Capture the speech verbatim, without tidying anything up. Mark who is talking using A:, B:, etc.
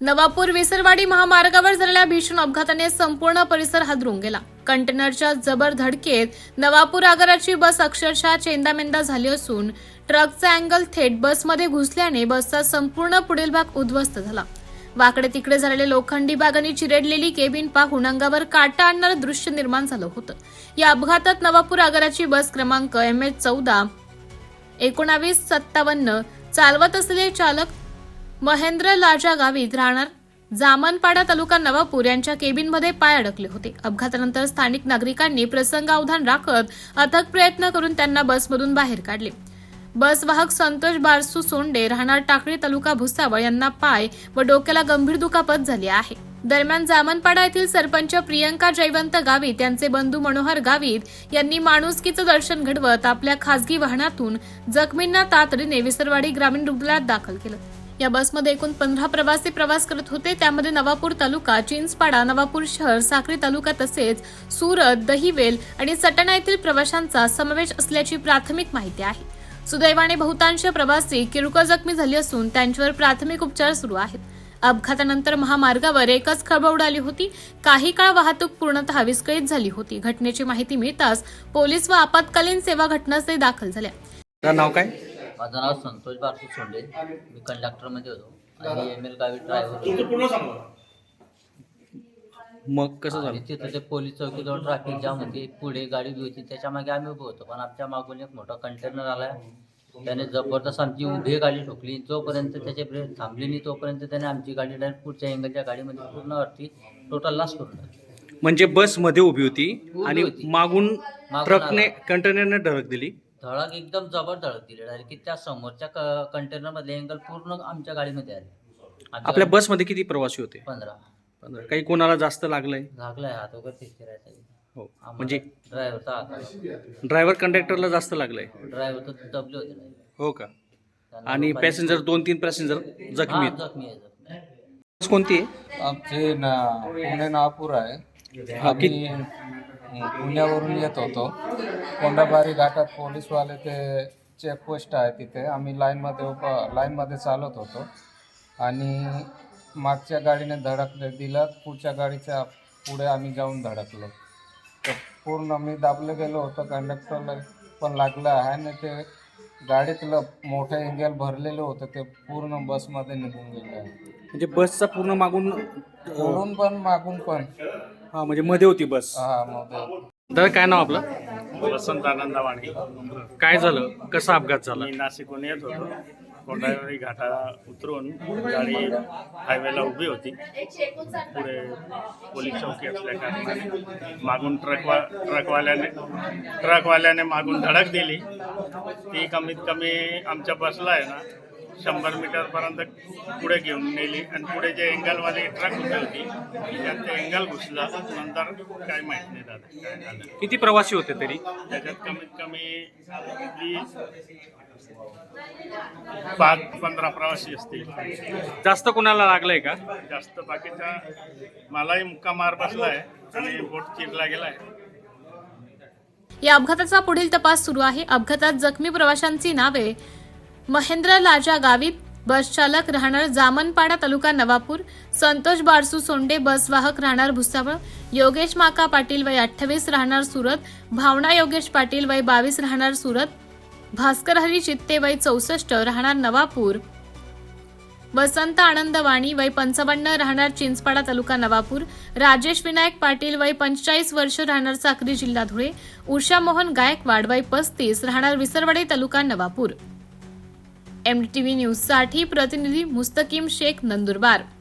A: नवापूर विसरवाडी महामार्गावर झालेल्या भीषण अपघाताने संपूर्ण परिसर हादरून गेला। कंटेनरच्या जबर धडकेत नवापूर आगाराची बस अक्षरशः चेंदामेंदा झाली असून ट्रकचा अँगल थेट बसमध्ये घुसल्याने बसचा संपूर्ण पुढील भाग उद्ध्वस्त झाला। वाकडे तिकडे झालेले लोखंडी भागांनी चिरेडलेली केबिन पाहून अंगावर काटा आणणारं दृश्य निर्माण झालं होतं। या अपघातात नवापूर आगाराची बस क्रमांक एम एच चौदा एकोणावीस सत्तावन्न चालवत असलेले चालक महेंद्र लाजा गावित राहणार जामनपाडा तालुका नवापूर यांच्या केबिनमध्ये पाय अडकले होते। अपघातानंतर स्थानिक नागरिकांनी प्रसंगावधान राखत अथक प्रयत्न करून त्यांना बसमधून बाहेर काढले। बस वाहक संतोष बारसू सोंडे राहणार टाकळी तालुका भुसावळ यांना पाय व डोक्याला गंभीर दुखापत झाली आहे। दरम्यान जामनपाडा येथील सरपंच प्रियंका जयवंत गावित यांचे बंधू मनोहर गावित यांनी माणुसकीचं दर्शन घडवत आपल्या खासगी वाहनातून जखमींना तातडीने विसरवाडी ग्रामीण रुग्णालयात दाखल केलं। या बसमध्ये एकूण पंधरा प्रवासी प्रवास करत होते। त्यामध्ये नवापूर तालुका, चिंचपाडा, नवापूर शहर, साक्री तालुका तसेच सुरत, दहिवेल आणि सटाणा येथील प्रवाशांचा समावेश असल्याची प्राथमिक माहिती आहे। सुदैवाने बहुतांश प्रवासी किरकोळ जखमी झाले असून त्यांच्यावर प्राथमिक उपचार सुरू आहेत। अपघातानंतर महामार्गावर एकच खळबळ उडाली होती। काही काळ वाहतूक पूर्णतः विस्कळीत झाली होती। घटनेची माहिती मिळताच पोलीस व आपत्कालीन सेवा घटनास्थळी दाखल झाल्या।
B: नाव काय?
C: माझं नाव संतोष बारसू सोंडे। मी कंडक्टरमध्ये होतो आणि एम एल गावी ड्रायव्हर।
B: मग कसं झालं?
C: तिथे ते पोलीस चौकीजवळ ट्रॅफिक जाम होती, पुढे गाडी उभी होती, त्याच्या मागे आम्ही उभे होतो। पण आमच्या मागून एक मोठा कंटेनर आला, त्याने जबरदस्त आमची उभी गाडी ठोकली। जोपर्यंत त्याचे ब्रेक थांबली नाही तोपर्यंत त्याने आमची गाडी डायरेक्ट पुढच्या एंगलच्या गाडीमध्ये पूर्ण वरती टोटल लॉस करून टाकली।
B: म्हणजे बस मध्ये उभी होती आणि
C: होती.
B: मागून
C: मागून
B: ट्रकने
C: आला.
B: कंटेनरने धडक दिली।
C: धडक एकदम जबर धडक दिली डायरेक्ट की त्या समोरच्या कंटेनर मधले एंगल पूर्ण आमच्या गाडीमध्ये आले। आमच्या
B: आपल्या बस मध्ये किती प्रवासी होते?
C: पंधरा
B: पंधरा. काही कोणाला जास्त लागलंय?
C: झाकलाय हात वगैरे फिरायचा।
B: हो, म्हणजे
C: ड्रायव्हरचा हात,
B: ड्रायव्हर कंडक्टरला जास्त लागलंय?
C: ड्रायव्हर तर दबले होते नाही।
B: हो का? आणि पॅसेंजर दोन तीन पॅसेंजर जखमी आहेत.
C: जखमी आहे जखमी आहे।
B: बस कोणती आहे?
D: आमचे ना पुणे नागपूर आहे।
B: हा, किती-
D: आम्ही पुण्यावरून येत होतो। कोंडाबारी घाटात पोलीसवाले ते चेकपोस्ट आहे, तिथे आम्ही लाईनमध्ये उभं लाईनमध्ये चालत होतो आणि मागच्या गाडीने धडक दिलं। पुढच्या गाडीच्या पुढे आम्ही जाऊन धडकलो तर पूर्ण मी दाबलं गेलो होतं। कंडक्टरला पण लागलं आहे आणि ते गाडीतलं मोठं एंगल भरलेलं होतं, ते पूर्ण बसमध्ये निघून गेलं आहे।
B: म्हणजे बसचा पूर्ण मागून
D: पुढून पण मागून पण।
B: हा, म्हणजे मध्ये होती बस।
D: हा मध्ये।
B: दादा, काय नाव आपलं?
E: वसंत आनंदवाणी।
B: काय झालं? कसा अपघात झाला?
E: मी नाशिकहून येत होतो। कोंडावरी घाटा उतरून गाडी हायवेला उभी होती। पुढे पोलीस चौकी असल्या कारणाने मागून ट्रकवा ट्रकवाल्याने ट्रकवाल्याने मागून धडक दिली। ती कमीत कमी आमच्या बसला आहे ना शंभर मीटरपर्यंत पुढे घेऊन नेली आणि पुढे जे एंगलवाली ट्रक उभी होती त्यात ते एंगल घुसला। नंतर काय माहीत नाही झालं काय झालं।
B: किती प्रवासी होते तरी?
E: त्याच्यात कमीत कमी वीस पाच पंधरा प्रवासी असतील।
B: जास्त कोणाला लागलंय का?
E: जास्त बाकीचा मलाही मुक्का मार बसलाय आणि बोट चिरला गेलाय।
A: या अपघाताचा पुढील तपास सुरू आहे। अपघातात जखमी प्रवाशांची नावे महेंद्र लाजा गावित, बस चालक राहणार जामनपाडा तालुका नवापूर, संतोष बारसू सोंडे बसवाहक राहणार भुसावळ, योगेश माका पाटील वय अठ्ठावीस राहणार सुरत, भावना योगेश पाटील वय बावीस राहणार सुरत, भास्कर हरी चित्ते वय चौसष्ट राहणार नवापूर, वसंत आनंद वाणी वय पंचावन्न राहणार चिंचपाडा तालुका नवापूर, राजेश विनायक पाटील वय पंचेचाळीस वर्ष राहणार साक्री जिल्हा धुळे, उषा मोहन गायकवाड वय पस्तीस राहणार Visarwadi taluka Navapur. M T V news साठी प्रतिनिधी मुस्तकीम शेख, नंदुरबार।